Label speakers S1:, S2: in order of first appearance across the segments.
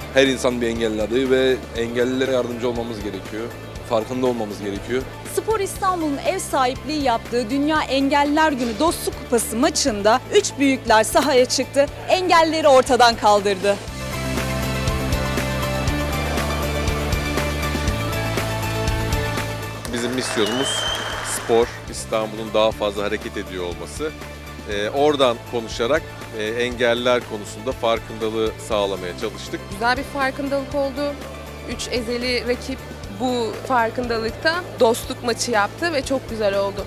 S1: Her insan bir engelli adayı ve engellilere yardımcı olmamız gerekiyor. Farkında olmamız gerekiyor.
S2: Spor İstanbul'un ev sahipliği yaptığı Dünya Engelliler Günü Dostluk Kupası maçında 3 büyükler sahaya çıktı, engellileri ortadan kaldırdı.
S3: Bizim misyonumuz spor, İstanbul'un daha fazla hareket ediyor olması. Oradan konuşarak engelliler konusunda farkındalığı sağlamaya çalıştık.
S4: Güzel bir farkındalık oldu. 3 ezeli rakip bu farkındalıkta dostluk maçı yaptı ve çok güzel oldu.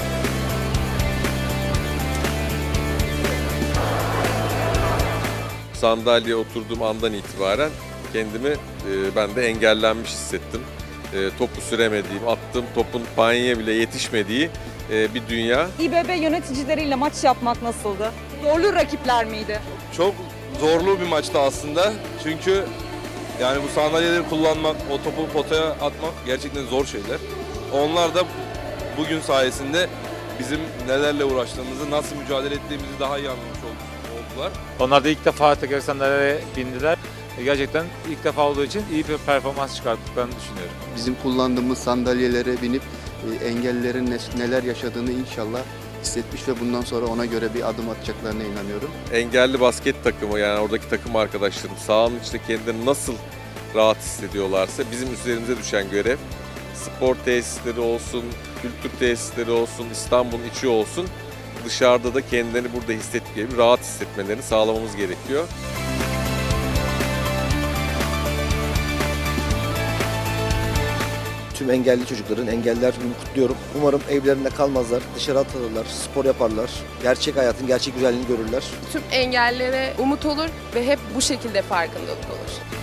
S3: Sandalyeye oturduğum andan itibaren kendimi ben de engellenmiş hissettim. Topu süremediğim, attığım topun paniğe bile yetişmediği bir dünya.
S2: İBB yöneticileriyle maç yapmak nasıldı? Zorlu rakipler miydi?
S1: Çok zorlu bir maçtı aslında. Çünkü yani bu sandalyeleri kullanmak, o topu potaya atmak gerçekten zor şeyler. Onlar da bugün sayesinde bizim nelerle uğraştığımızı, nasıl mücadele ettiğimizi daha iyi anlamış oldular.
S5: Onlar da ilk defa teker sandalyeye bindiler. Gerçekten ilk defa olduğu için iyi bir performans çıkarttıklarını düşünüyorum.
S6: Bizim kullandığımız sandalyelere binip engellilerin neler yaşadığını inşallah hissetmiş ve bundan sonra ona göre bir adım atacaklarına inanıyorum.
S3: Engelli basket takımı, yani oradaki takım arkadaşlarım sahanın içinde kendilerini nasıl rahat hissediyorlarsa bizim üzerimize düşen görev, spor tesisleri olsun, kültür tesisleri olsun, İstanbul'un içi olsun, dışarıda da kendilerini burada hissettiği gibi rahat hissetmelerini sağlamamız gerekiyor.
S7: Tüm engelli çocukların, engelliler gününü kutluyorum. Umarım evlerinde kalmazlar, dışarı atılırlar, spor yaparlar, gerçek hayatın gerçek güzelliğini görürler.
S4: Tüm engellilere umut olur ve hep bu şekilde farkındalık olur.